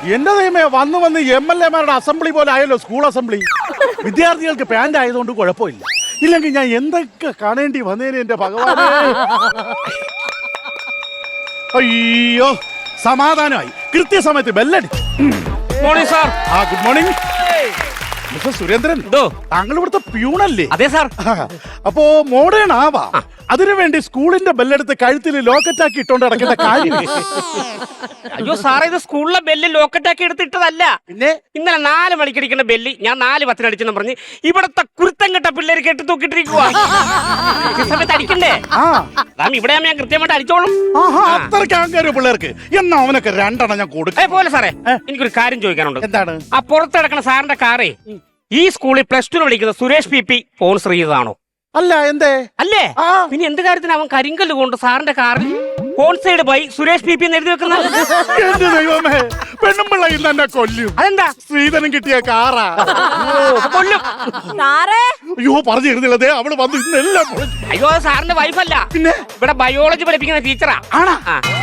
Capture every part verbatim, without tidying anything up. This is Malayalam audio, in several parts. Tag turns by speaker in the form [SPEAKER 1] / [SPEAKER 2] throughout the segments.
[SPEAKER 1] എന്റെ ദൈവമേ, വന്ന് വന്ന് എം എൽ എമാരുടെ അസംബ്ലി പോലെ ആയല്ലോ സ്കൂൾ അസംബ്ലി. വിദ്യാർത്ഥികൾക്ക് പാന്റ് ആയതുകൊണ്ട് കുഴപ്പമില്ല, ഇല്ലെങ്കിൽ ഞാൻ എന്തൊക്കെ കാണേണ്ടി വന്നേനെ എന്റെ ഭഗവാനെ. അയ്യോ, സമാധാനമായി. കൃത്യസമയത്ത് ബെല്ലടി.
[SPEAKER 2] Morning sir.
[SPEAKER 1] ആ, ഗുഡ് മോർണിംഗ് മിസ്റ്റർ സുരേന്ദ്രൻ. താങ്കൾ ഇവിടുത്തെ പ്യൂണല്ലേ?
[SPEAKER 2] അതെ സാർ.
[SPEAKER 1] അപ്പോ മോഡേൺ ആവാ, അതിനുവേണ്ടി സ്കൂളിന്റെ ബെല്ലെടുത്ത് കഴുത്തിൽ ലോക്കറ്റാക്കി ഇട്ടോണ്ട് നടക്കേണ്ട കാര്യം.
[SPEAKER 2] അയ്യോ സാറേ, ഇത് സ്കൂളിലെ ബെല്ല് ലോക്കറ്റാക്കി എടുത്തിട്ടതല്ല.
[SPEAKER 1] പിന്നെ
[SPEAKER 2] ഇന്നലെ നാല് മണിക്ക് അടിക്കുന്ന ബെല്ല് ഞാൻ നാല് പത്തിന് അടിച്ചെന്ന് പറഞ്ഞ് ഇവിടത്തെ കുരുത്തം കെട്ട പിള്ളേര് കെട്ടി തൂക്കിട്ടിരിക്കുക. സമയത്ത് അടിക്കണ്ടേ? അതാ ഇവിടെ ഞാൻ കൃത്യമായിട്ട് അടിച്ചോളും.
[SPEAKER 1] അത്രയ്ക്ക് ആൾക്കാര് പിള്ളേർക്ക്. എന്നാ അവനൊക്കെ രണ്ടെണ്ണം ഞാൻ കൊടുക്കും.
[SPEAKER 2] പോലെ സാറേ, എനിക്കൊരു കാര്യം ചോദിക്കാനുണ്ട്.
[SPEAKER 1] എന്താണ്?
[SPEAKER 2] ആ പുറത്ത് കിടക്കുന്ന സാറിന്റെ കാറേ ഈ സ്കൂളിൽ പ്ലസ് ടു വിളിക്കുന്ന സുരേഷ് പി പി സ്പോൺസർ ചെയ്തതാണോ?
[SPEAKER 1] അല്ല. എന്തേ?
[SPEAKER 2] അല്ലേ? പിന്നെ എന്ത് കാര്യത്തിന് അവൻ കരിങ്കല്ല് കൊണ്ട് സാറിന്റെ കാറിൽ sponsored by Suresh P P എന്ന് എഴുതി വെക്കുന്നത്?
[SPEAKER 1] എന്റെ ദൈവമേ, പെണ്ണുമ്പിള്ള ഇന്ന് എന്നെ കൊല്ലും.
[SPEAKER 2] അതെന്താ?
[SPEAKER 1] ശ്രീധരൻ കിട്ടിയ കാറാ.
[SPEAKER 2] കൊല്ലും.
[SPEAKER 1] അയ്യോ, പറഞ്ഞിരുന്നില്ലതേ, അവള് വന്ന് ഇന്നെല്ലാം.
[SPEAKER 2] അയ്യോ, സാറിന്റെ വൈഫല്ല,
[SPEAKER 1] പിന്നെ
[SPEAKER 2] ഇവിടെ ബയോളജി പഠിപ്പിക്കുന്ന ടീച്ചറാ.
[SPEAKER 1] ആണാ?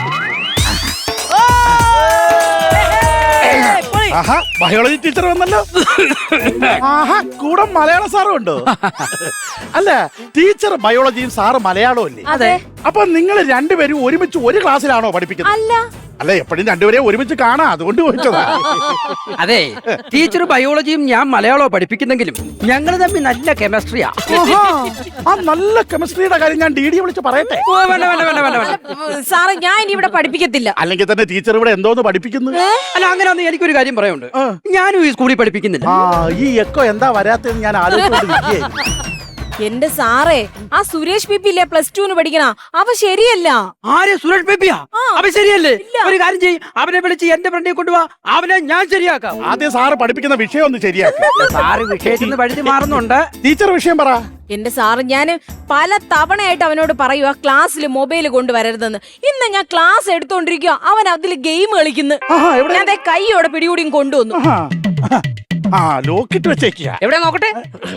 [SPEAKER 1] ആഹാ, ബയോളജി ടീച്ചർ വന്നല്ലോ. ആഹാ, കൂടെ മലയാള സാറും ഉണ്ടോ? അല്ല, ടീച്ചർ ബയോളജിയും സാറ് മലയാളവും അല്ലേ?
[SPEAKER 3] അതെ.
[SPEAKER 1] അപ്പൊ നിങ്ങൾ രണ്ടുപേരും ഒരുമിച്ച് ഒരു ക്ലാസ്സിലാണോ പഠിപ്പിക്കുന്നത്?
[SPEAKER 3] അല്ല.
[SPEAKER 1] അല്ല, എപ്പോഴും രണ്ടുപേരെ ഒരുമിച്ച് കാണാം, അതുകൊണ്ട് ചോദിച്ചതാ.
[SPEAKER 4] അതെ, ടീച്ചർ ബയോളജിയും ഞാൻ മലയാളവും പഠിപ്പിക്കുന്നെങ്കിലും ഞങ്ങൾ തമ്മിൽ നല്ല കെമിസ്ട്രിയാ.
[SPEAKER 1] ആ നല്ല കെമിസ്ട്രിയുടെ കാര്യം ഞാൻ ഡി ഡി വിളിച്ച് പറയട്ടെ?
[SPEAKER 3] സാറേ, ഞാൻ ഇനി ഇവിടെ പഠിപ്പിക്കത്തില്ല.
[SPEAKER 1] അല്ലെങ്കിൽ തന്നെ ടീച്ചർ ഇവിടെ എന്തോന്ന് പഠിപ്പിക്കുന്നു?
[SPEAKER 4] അല്ല, അങ്ങനെ ഒന്നും എനിക്കൊരു കാര്യം പറയാനുണ്ട്. ഞാനും ഈ സ്കൂളിൽ പഠിപ്പിക്കുന്നില്ല.
[SPEAKER 1] ആ, ഈ എക്കോ എന്താ വരാത്തെന്ന് ഞാൻ ആലോചിച്ചുകൊണ്ടിരിക്കുകയായിരുന്നു.
[SPEAKER 3] എന്റെ സാറേ, ആ സുരേഷ് പി പി ഇല്ലേ പ്ലസ് ടുന്ന് പഠിക്കണ, അവ ശരിയല്ല.
[SPEAKER 4] ആരെ? സുരേഷ് ബേബിയാ? അവൻ ശരിയല്ലേ? ഒരു കാര്യം ചെയ്യും, അവനെ വിളിച്ച് എന്റെ ഫ്രണ്ടിൽ കൊണ്ടുപോവാ, അവനെ ഞാൻ ശരിയാക്കാം.
[SPEAKER 1] ആദ്യം സാറ് പഠിപ്പിക്കുന്ന വിഷയം ഒന്ന് ശരിയാക്കാം.
[SPEAKER 4] സാറ് വിഷയത്തിൽ നിന്ന് വഴുതി മാറുന്നുണ്ട്.
[SPEAKER 1] ടീച്ചർ വിഷയം പറ.
[SPEAKER 3] എന്റെ സാറ്, ഞാൻ പല തവണയായിട്ട് അവനോട് പറയുക ക്ലാസ്സിൽ മൊബൈൽ കൊണ്ടുവരരുതെന്ന്. ഇന്ന് ഞാൻ ക്ലാസ് എടുത്തോണ്ടിരിക്കുക, അവൻ അതിൽ ഗെയിം കളിക്കുന്നു. ഞാൻ കൈയോടെ പിടികൂടിയും കൊണ്ടുവന്നു.
[SPEAKER 1] ആ, ലോക്കിട്ട് വെച്ചേക്കുക.
[SPEAKER 2] എവിടെ നോക്കട്ടെ?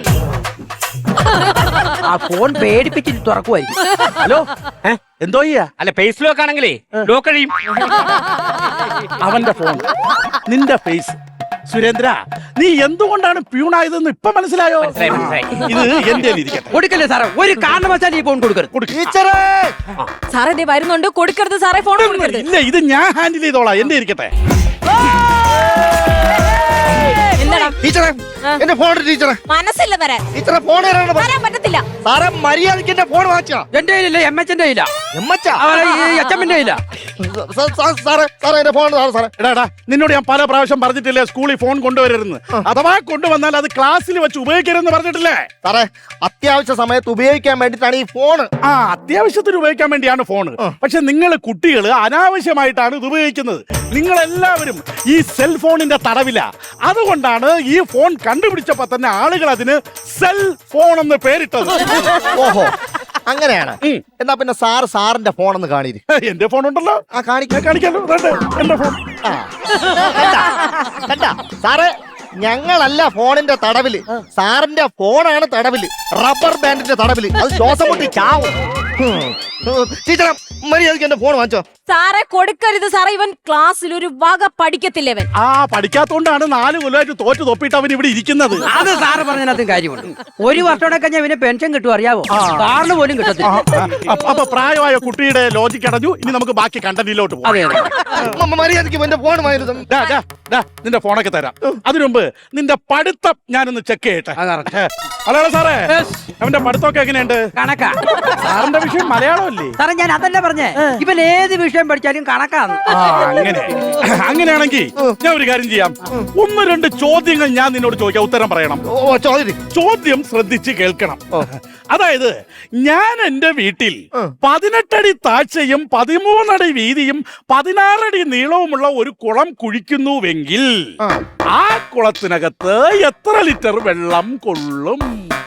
[SPEAKER 4] ആ ഫോൺ പേടിപ്പിച്ചിട്ട് തുറക്കുമായിരിക്കും.
[SPEAKER 1] ഹലോ, എന്തോ ചെയ്യാ?
[SPEAKER 2] അല്ല, ഫേസ് ലോക്ക് ആണെങ്കിലേ ലോക്ക് കഴിയും.
[SPEAKER 1] അവന്റെ ഫോൺ, നിന്റെ ഫേസ്. സുരേന്ദ്ര, നീ എന്തുകൊണ്ടാണ് പ്യൂണായതെന്ന് ഇപ്പൊ മനസ്സിലായോ? ഇത് എന്റെ ഇരിക്കട്ടെ.
[SPEAKER 4] കൊടുക്കല്ലേ സാറേ, ഒരു കാരണവശാലും ഈ ഫോൺ കൊടുക്കരുത്.
[SPEAKER 1] ടീച്ചറേ,
[SPEAKER 3] സാറേ ദേ വരുന്നുണ്ട്, കൊടുക്കരുത് സാറേ, ഫോൺ കൊടുക്കരുത്.
[SPEAKER 1] ഇല്ല, ഇത് ഞാൻ ഹാൻഡിൽ ചെയ്തോളാം, എന്റെ ഇരിക്കട്ടെ.
[SPEAKER 5] ടീച്ചറെ, എന്റെ ഫോൺ ടീച്ചറെ.
[SPEAKER 3] മനസ്സില്ല തരാൻ.
[SPEAKER 5] ടീച്ചറെ, ഫോൺ
[SPEAKER 3] തരാൻ പറ്റത്തില്ല.
[SPEAKER 5] സാറേ, മര്യാദയ്ക്ക് എന്റെ ഫോൺ വാങ്ങിച്ചാ.
[SPEAKER 4] എന്റെ കയ്യിലില്ല, എം എച്ച് എന്റെ ഇല്ല,
[SPEAKER 5] എമ്മച്ചാ
[SPEAKER 4] എച്ചമ്മിന്റെ ഇല്ല.
[SPEAKER 5] സാറേ, സാറേ എന്റെ ഫോൺ സാറേ.
[SPEAKER 1] എടാ, നിന്നോട് ഞാൻ പല പ്രാവശ്യം പറഞ്ഞിട്ടില്ലേ സ്കൂളിൽ ഫോൺ കൊണ്ടുവരരുന്ന്? അഥവാ കൊണ്ടുവന്നാൽ അത് ക്ലാസ്സിൽ വെച്ച് ഉപയോഗിക്കരുതെന്ന് പറഞ്ഞിട്ടില്ലേ?
[SPEAKER 5] സാറേ, അത്യാവശ്യ സമയത്ത് ഉപയോഗിക്കാൻ വേണ്ടിട്ടാണ് ഈ ഫോൺ.
[SPEAKER 1] ആ, അത്യാവശ്യത്തിന് ഉപയോഗിക്കാൻ വേണ്ടിയാണ് ഫോൺ. പക്ഷെ നിങ്ങൾ കുട്ടികൾ അനാവശ്യമായിട്ടാണ് ഇത് ഉപയോഗിക്കുന്നത്. നിങ്ങൾ എല്ലാവരും ഈ സെൽഫോണിന്റെ തടവില. അതുകൊണ്ടാണ് ഈ ഫോൺ കണ്ടുപിടിച്ചപ്പോ തന്നെ ആളുകൾ അതിന് സെൽ ഫോൺ എന്ന് പേരിട്ടത്.
[SPEAKER 5] ഓഹോ, അങ്ങനെയാണ്. എന്നാ പിന്നെ സാറ് സാറിന്റെ ഫോൺ ഒന്ന് കാണിരി.
[SPEAKER 1] എന്റെ ഫോൺ ഉണ്ടല്ലോ.
[SPEAKER 5] ആ, കാണിക്കാൻ
[SPEAKER 1] കാണിക്കാലോ. എന്റെ ഫോൺ.
[SPEAKER 5] സാറേ, ഞങ്ങളല്ല ഫോണിന്റെ തടവില്, സാറിന്റെ ഫോണാണ് തടവില്. റബ്ബർ ബാൻഡിന്റെ തടവില്. അത് ശ്വാസം മുട്ടി ചാവും. ടീച്ചറെ, മര്യാദയ്ക്ക് എന്റെ ഫോൺ വാങ്ങിച്ചോ.
[SPEAKER 3] സാറേ, കൊടുക്കരുത് സാറേ, ഇവൻ ക്ലാസ്സിൽ ഒരു വക പഠിക്കത്തില്ല. ഇവൻ
[SPEAKER 1] ആ, പഠിക്കാത്തോണ്ടാണ് നാല് കൊല്ലമായിട്ട് തോറ്റ് തൊപ്പിട്ട് അവൻ ഇവിടെ ഇരിക്കുന്നത്.
[SPEAKER 4] അത് സാറ് പറഞ്ഞതിനകത്തും കാര്യമുണ്ട്. ഒരു വർഷത്തോടെ കഴിഞ്ഞാൽ ഇവന് പെൻഷൻ കിട്ടും, അറിയാവോ? സാറിന് പോലും കിട്ടത്തില്ല.
[SPEAKER 1] അപ്പൊ പ്രായമായ കുട്ടിയുടെ ലോജിക്ക് അടഞ്ഞു. ഇനി നമുക്ക് ബാക്കി കണ്ടന്റിലോട്ട് പോകാം.
[SPEAKER 4] അതെ അതെ,
[SPEAKER 5] മര്യാദയ്ക്ക് എന്റെ ഫോൺ വാങ്ങിയിരുന്നു.
[SPEAKER 1] നിന്റെ ഫോണൊക്കെ തരാം. അതിനു മുമ്പ് നിന്റെ പഠിത്തം ഞാനൊന്ന് ചെക്ക് ചെയ്യട്ടെ. ഹലോ സാറേ, അവന്റെ പഠിത്തമൊക്കെ എങ്ങനെയുണ്ട്?
[SPEAKER 4] കണക്കാ.
[SPEAKER 1] സാറിന്റെ വിഷയം മലയാളമല്ലേ?
[SPEAKER 4] സാറേ, ഞാൻ അതല്ല പറഞ്ഞേ, ഇവൻ ഏത് വിഷയം പഠിച്ചാലും കണക്കാണ്.
[SPEAKER 1] അങ്ങനെ അങ്ങനെയാണെങ്കിൽ ഞാൻ ഒരു കാര്യം ചെയ്യാം. ഒന്ന് രണ്ട് ചോദ്യങ്ങൾ ഞാൻ നിന്നോട് ചോദിക്കാം, ഉത്തരം പറയണം. ചോദ്യം ശ്രദ്ധിച്ച് കേൾക്കണം. അതായത്, ഞാൻ എന്റെ വീട്ടിൽ പതിനെട്ടടി താഴ്ചയും പതിമൂന്നടി വീതിയും പതിനാറടി നീളവുമുള്ള ഒരു കുളം കുഴിക്കുന്നുവെങ്കിൽ ആ കുളത്തിനകത്ത് എത്ര ലിറ്റർ വെള്ളം കൊള്ളും?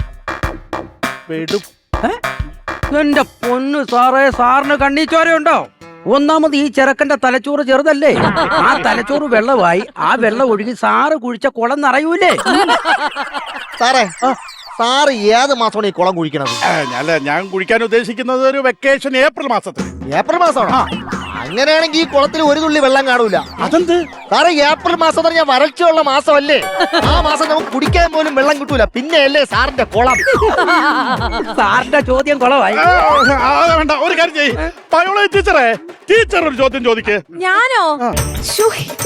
[SPEAKER 4] എന്റെ പൊന്നു സാറേ, സാറിന് കണ്ണീച്ചോരയുണ്ടോ? ഒന്നാമത് ഈ ചെറുക്കന്റെ തലച്ചോറ് ചെറുതല്ലേ, ആ തലച്ചോറ് വെള്ളമായി ആ വെള്ളം ഒഴുകി സാറ് കുഴിച്ച കുളം നിറയൂലേ.
[SPEAKER 5] സാറേ, സാറ് ഏത് മാസമാണ് ഈ കുളം കുഴിക്കണത്?
[SPEAKER 1] അല്ല, ഞാൻ കുഴിക്കാൻ ഉദ്ദേശിക്കുന്നത് ഒരു വെക്കേഷൻ ഏപ്രിൽ മാസത്തിൽ.
[SPEAKER 5] ഏപ്രിൽ മാസമാണോ? അങ്ങനെയാണെങ്കിൽ ഈ കുളത്തിൽ ഒരു തുള്ളി വെള്ളം കാണൂല.
[SPEAKER 1] അതെന്ത്
[SPEAKER 5] സാറേ ഏപ്രിൽ മാസം എന്ന് പറഞ്ഞാൽ വരൾച്ചയുള്ള മാസമല്ലേ? ആ മാസം നമുക്ക് കുടിക്കാൻ പോലും വെള്ളം കിട്ടൂല. പിന്നെ അല്ലേ സാറിന്റെ കുളം.
[SPEAKER 4] സാറിന്റെ ചോദ്യം കുളമായി.
[SPEAKER 1] ആ, ആ, വേണ്ട ഒരു കാര്യം ചെയ്യ്. ബയോളജി ടീച്ചറെ, ടീച്ചർ ഒരു ചോദ്യം ചോദിക്ക്.
[SPEAKER 3] ഞാനോ? ശ്ശോ.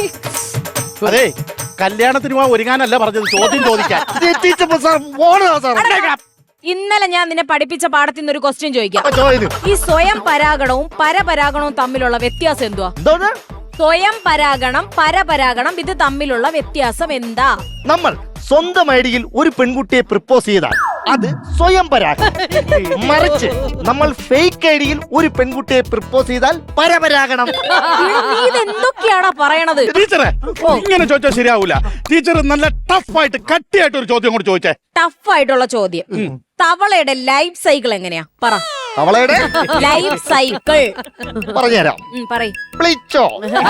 [SPEAKER 1] അതെ, കല്യാണത്തിന് പോവാൻ ഒരുങ്ങാനല്ല പറഞ്ഞത്, ചോദ്യം ചോദിക്കാൻ.
[SPEAKER 5] ടീച്ചർ സാർ പോണോ സാർ?
[SPEAKER 3] ഇന്നലെ ഞാൻ നിന്നെ പഠിപ്പിച്ച പാഠത്തിൽ നിന്ന് ഒരു ക്വസ്റ്റ്യൻ ചോദിക്കാം.
[SPEAKER 5] അപ്പൊ ചോദ്യം
[SPEAKER 3] ഈ സ്വയം പരാഗണവും പരപരാഗണവും തമ്മിലുള്ള വ്യത്യാസം എന്തുവാ?
[SPEAKER 5] എന്തോന്ന്?
[SPEAKER 3] സ്വയം പരാഗണം പരപരാഗണം ഇത് തമ്മിലുള്ള വ്യത്യാസം എന്താ?
[SPEAKER 5] നമ്മൾ സ്വന്തം ഐഡിയിൽ ഒരു പെൺകുട്ടിയെ പ്രപ്പോസ് ചെയ്താൽ അത് സ്വയം പരാഗണം. മറിച്ച് നമ്മൾ ഫേക്ക് ഐഡിയിൽ ഒരു പെൺകുട്ടിയെ പ്രപ്പോസ് ചെയ്താൽ പരപരാഗണം.
[SPEAKER 3] എടാ, നീ ഇതെന്തൊക്കെയാണാ പറയണത്?
[SPEAKER 1] ടീച്ചറെ, ഇങ്ങനെ ചോദിച്ചാൽ ശരിയാവൂല. ടീച്ചർ നല്ല ടഫ് ആയിട്ട് കട്ടിയായിട്ട് ഒരു ചോദ്യം കൂടി ചോദിച്ചേ.
[SPEAKER 3] ടഫ് ആയിട്ടുള്ള ചോദ്യം. തവളയുടെ ലൈഫ് സൈക്കിൾ എങ്ങനെയാ? പറ.
[SPEAKER 5] അവളയുടെ
[SPEAKER 3] ലൈഫ് സൈക്കിൾ
[SPEAKER 5] പറഞ്ഞുതരാം.
[SPEAKER 3] പറയ്.
[SPEAKER 5] പ്ലിച്ചോ.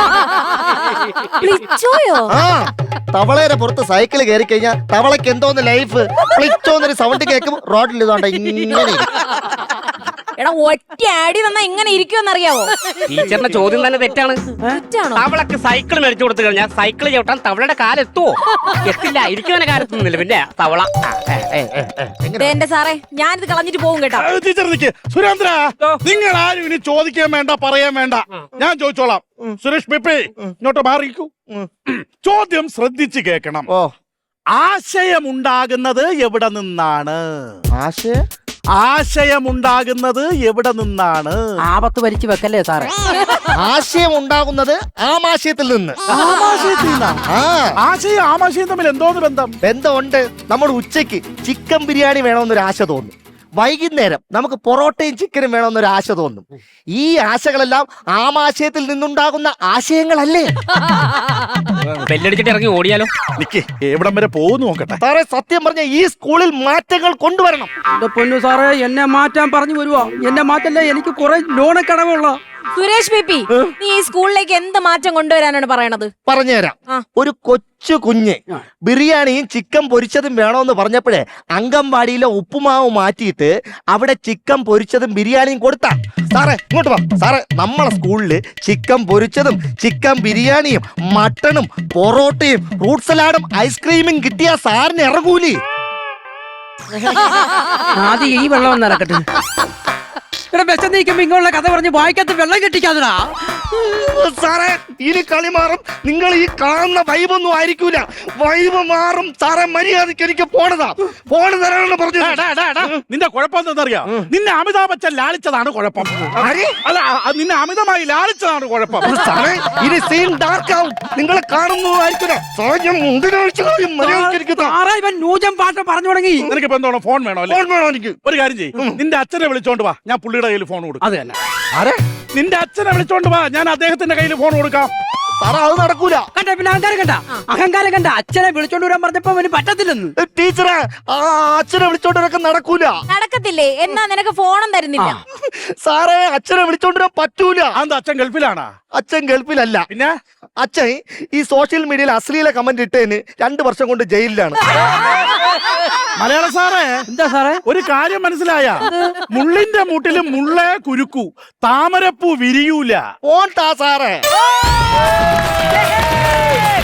[SPEAKER 3] പ്ലിച്ചോയോ?
[SPEAKER 5] ആ തവളയുടെ പുറത്ത് സൈക്കിൾ കയറി കഴിഞ്ഞാൽ തവളക്ക് എന്തോന്ന് ലൈഫ്. പ്ലിച്ചോ എന്നൊരു സൗണ്ട് കേൾക്കും റോഡിൽ ഇതുകൊണ്ട് ഇങ്ങനെ.
[SPEAKER 3] എടാ, ഒറ്റ ആടി തന്നാ ഇങ്ങനെ ഇരിക്കുമെന്നറിയാവോ?
[SPEAKER 2] ടീച്ചറിന്റെ ചോദ്യം തന്നെ തെറ്റാണ്.
[SPEAKER 3] തെറ്റാണോ?
[SPEAKER 2] തവളക്ക് സൈക്കിൾ മേടിച്ചു കൊടുത്തു കഴിഞ്ഞാൽ സൈക്കിൾ ചവിട്ടാൻ തവളയുടെ കാലെത്തുവോ? എത്തില്ല. ഇരിക്കുവനെ കാലെത്തുന്നില്ല. പിന്നെ തവള.
[SPEAKER 3] ദേ എന്റെ സാറേ, ഞാനിത് കളഞ്ഞിട്ട് പോകും കേട്ടോ.
[SPEAKER 1] ആ, ടീച്ചർ നിക്ക്. സുരേന്ദ്ര, നിങ്ങൾ ആരും ഇനി ചോദിക്കാൻ വേണ്ട, പറയാൻ വേണ്ട, ഞാൻ ചോദിച്ചോളാം. സുരേഷ് പിപ്പി, ഇങ്ങോട്ട് മാറിക്കൂ. ചോദ്യം ശ്രദ്ധിച്ച് കേൾക്കണം.
[SPEAKER 5] ഓ
[SPEAKER 1] ആശയമുണ്ടാകുന്നത് എവിടെ നിന്നാണ്?
[SPEAKER 5] ആശയ
[SPEAKER 1] ആശയമുണ്ടാകുന്നത് എവിടെ നിന്നാണ്?
[SPEAKER 4] ആപത്ത് വലിച്ചു വെക്കല്ലേ സാറേ.
[SPEAKER 5] ആശയം ഉണ്ടാകുന്നത് ആമാശയത്തിൽ നിന്ന്.
[SPEAKER 1] ആമാശയത്തിൽ നിന്നാ?
[SPEAKER 5] ആ
[SPEAKER 1] ആശയം ആമാശയം തമ്മിൽ എന്തോന്ന് ബന്ധം?
[SPEAKER 5] ബന്ധമുണ്ട്. നമ്മൾ ഉച്ചയ്ക്ക് ചിക്കൻ ബിരിയാണി വേണമെന്നൊരു ആശ തോന്നും. വൈകുന്നേരം നമുക്ക് പൊറോട്ടയും ചിക്കനും വേണമെന്നൊരു ആശ തോന്നും. ഈ ആശകളെല്ലാം ആമാശയത്തിൽ നിന്നുണ്ടാകുന്ന ആശയങ്ങളല്ലേ?
[SPEAKER 2] ബെല്ലടിച്ചിട്ട് ഇറങ്ങി ഓടിയാലോ?
[SPEAKER 1] നിക്ക്, എവിടം വരെ പോകുന്നു നോക്കട്ടെ.
[SPEAKER 5] സാറേ സത്യം പറഞ്ഞ ഈ സ്കൂളിൽ മാറ്റങ്ങൾ കൊണ്ടുവരണം.
[SPEAKER 4] എന്റെ പൊന്നു സാറേ, എന്നെ മാറ്റാൻ പറഞ്ഞു വരുവാ. എന്നെ മാറ്റല്ലേ, എനിക്ക് കുറെ ലോണക്കടവുള്ള.
[SPEAKER 3] സുരേഷ് പിപ്പി, നീ ഈ സ്കൂളിലേക്ക് എന്ത് മാറ്റം കൊണ്ടുവരാനാണ് പറയണത്?
[SPEAKER 5] പറഞ്ഞുതരാം.
[SPEAKER 3] ആ.
[SPEAKER 5] ഒരു കൊച്ചു കുഞ്ഞ് ബിരിയാണിയും ചിക്കൻ പൊരിച്ചതും വേണമെന്ന് പറഞ്ഞപ്പോഴേ അംഗൻവാടിയിലെ ഉപ്പുമാവ് മാറ്റിയിട്ട് അവിടെ ചിക്കൻ പൊരിച്ചതും ബിരിയാണിയും കൊടുത്താ. സാറേ ഇങ്ങോട്ട് വാ. സാറേ നമ്മളെ സ്കൂളില് ചിക്കൻ പൊരിച്ചതും ചിക്കൻ ബിരിയാണിയും മട്ടണും പൊറോട്ടയും ഫ്രൂട്ട് സലാഡും ഐസ്ക്രീമും കിട്ടിയ സാറിന് ഇറങ്ങൂലേ?
[SPEAKER 4] ആദ്യം ഈ വെള്ളം ഒന്ന് ഇറക്കട്ടെ. ഇവിടെ വിശന്ന് നിൽക്കുമ്പോ ഇങ്ങനെയുള്ള കഥ പറഞ്ഞ് വായിക്കാത്ത വെള്ളം കെട്ടിക്കാതടാ.
[SPEAKER 5] സാറേ ഇനി കളി മാറും. നിങ്ങൾ ഈ കാണുന്ന വൈബൊന്നും ആയിരിക്കൂല. വൈബ് മാറും സാറേ. മര്യാദയ്ക്ക് എനിക്ക് പോണതാ. ഫോണ് തരാനാണ് പറഞ്ഞത്.
[SPEAKER 1] ഡാ, ഡാ, ഡാ, ഡാ. നിന്റെ കുഴപ്പം എന്താണെന്നറിയാം? നിന്നെ അമിതാഭ് ബച്ചൻ ലാളിച്ചതാണ് കുഴപ്പം. അല്ല, ആ, നിന്നെ അമിതമായി ലാളിച്ചതാണ് കുഴപ്പം.
[SPEAKER 5] സാറേ ഇനി സീൻ ഡാർക്ക് ആവും. നിങ്ങളെ കാണുന്നതായിരിക്കില്ല. സാഹചര്യം മര്യാദയ്ക്ക്
[SPEAKER 4] സാറേ, ഇവൻ നൂജം പാട്ട് പറഞ്ഞു തുടങ്ങി.
[SPEAKER 1] നിനക്ക് ഇപ്പൊ എന്തോണം? ഫോൺ വേണോ? അല്ലേ?
[SPEAKER 5] ഫോൺ വേണോ എനിക്ക്?
[SPEAKER 1] ഒരു കാര്യം ചെയ്യും, നിന്റെ അച്ഛനെ വിളിച്ചോണ്ട് വാ, ഞാൻ പുള്ളിയുടെ കയ്യിൽ ഫോൺ കൊടുക്കും.
[SPEAKER 4] അത് തന്നെ.
[SPEAKER 5] ആരെ?
[SPEAKER 1] നിന്റെ അച്ഛനെ വിളിച്ചോണ്ട് വാ, ഞാൻ അദ്ദേഹത്തിന്റെ കയ്യിൽ ഫോൺ കൊടുക്കാം.
[SPEAKER 5] സാറേ അത് നടക്കൂല.
[SPEAKER 4] കണ്ട പിന്നെ അഹങ്കാരം കണ്ട അഹങ്കാരം കണ്ട അച്ഛനെ വിളിച്ചോണ്ട് വരാൻ പറഞ്ഞപ്പോ അവന് പറ്റത്തില്ലെന്ന്.
[SPEAKER 5] ടീച്ചറെ ആ അച്ഛനെ വിളിച്ചോണ്ടിരൊക്കെ നടക്കൂല.
[SPEAKER 3] നടക്കത്തില്ലേ? എന്നാ നിനക്ക് ഫോണും തരുന്നില്ല.
[SPEAKER 5] സാറേ അച്ഛനെ വിളിച്ചോണ്ടിരാൻ പറ്റൂല.
[SPEAKER 1] അതെന്താ, അച്ഛൻ ഗൾഫിലാണാ?
[SPEAKER 5] അച്ഛൻ ഗൾഫിലല്ല.
[SPEAKER 1] പിന്നെ
[SPEAKER 5] അച്ഛൻ ഈ സോഷ്യൽ മീഡിയയിൽ അശ്ലീല കമന്റ് ഇട്ടതിന് രണ്ടു വർഷം കൊണ്ട് ജയിലിലാണ്.
[SPEAKER 1] മലയാള സാറേ,
[SPEAKER 4] എന്താ സാറേ?
[SPEAKER 1] ഒരു കാര്യം മനസ്സിലായ? മുള്ളിന്റെ മൂട്ടില് മുള്ളേ കുരുക്കൂ, താമരപ്പൂ വിരിയൂല.
[SPEAKER 5] ഫോൺ താ സാറേ.